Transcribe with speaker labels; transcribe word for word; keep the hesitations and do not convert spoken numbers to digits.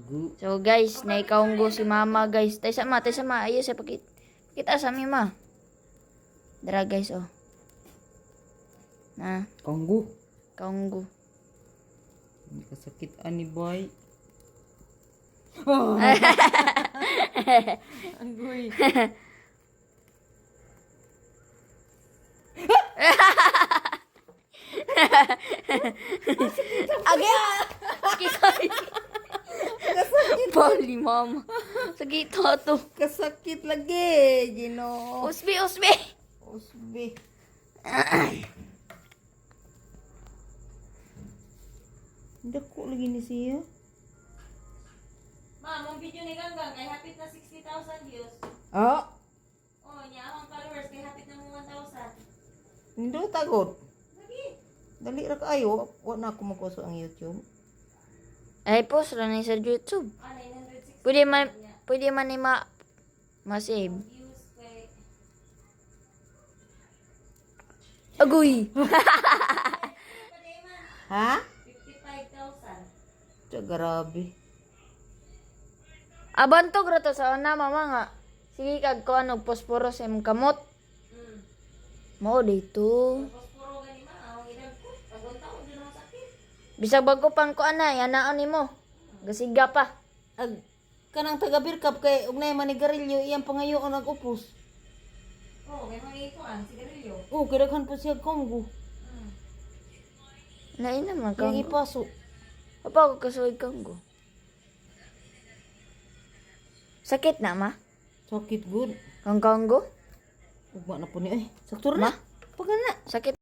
Speaker 1: Gu.
Speaker 2: So guys, naikaunggo si mama guys. Tay sama, tay sama. Ayo saya pakit. Kita sa mima. Dara guys oh. Nah,
Speaker 1: Kanggu.
Speaker 2: kaunggo.
Speaker 1: Hindi ka sakit ani boy. Agoy.
Speaker 2: Agay! Sakit. Bali mama. Sakit to.
Speaker 1: Kasakit lagi, Gino.
Speaker 2: Usbi, usbi.
Speaker 1: Usbi. Dako lagi ni siya.
Speaker 3: Ma'am, ang video ni Ganggang kay hapit na sixty thousand views.
Speaker 1: Oh,
Speaker 3: Oh, niya ang followers kay hapit na mo one thousand.
Speaker 1: hindi tagod.
Speaker 3: Lagi.
Speaker 1: Dali ra kaayo, wa na ako magkuso ang YouTube.
Speaker 2: Ay, post lang sa YouTube.
Speaker 3: Ah, nine hundred sixty.
Speaker 2: Pwede man, pwede man ni ma, ma-save.
Speaker 3: Views kay...
Speaker 2: Agoy!
Speaker 1: Ha?
Speaker 3: fifty-five thousand.
Speaker 1: Tiya, grabe.
Speaker 2: Abantog ra to sa una, mama nga. Sige kag ko ano, posporos im kamot.
Speaker 3: Mm.
Speaker 2: Mo dito.
Speaker 3: Tapos puro gani ma, ang idag ko. Tagong taon din ang sakit.
Speaker 2: Bisag bago pang ko ana, yanaan nimo. Gasiga pa.
Speaker 1: Ag kanang taga Birkap kay ugnay manigarilyo iyang pangayoon ang upos.
Speaker 3: Oh, kay mga ito ang sigarilyo.
Speaker 1: Oh, kidaghan po siya konggo.
Speaker 3: Mm.
Speaker 2: Lain naman
Speaker 1: Kaya
Speaker 2: kang.
Speaker 1: ipaso.
Speaker 2: Apa ko kasuig kang go. Sakit na ma?
Speaker 1: Sakit good.
Speaker 2: Kang kanggo?
Speaker 1: Ugma na po niya eh. Sakto na.
Speaker 2: Ma?
Speaker 1: Pagana.
Speaker 2: Sakit.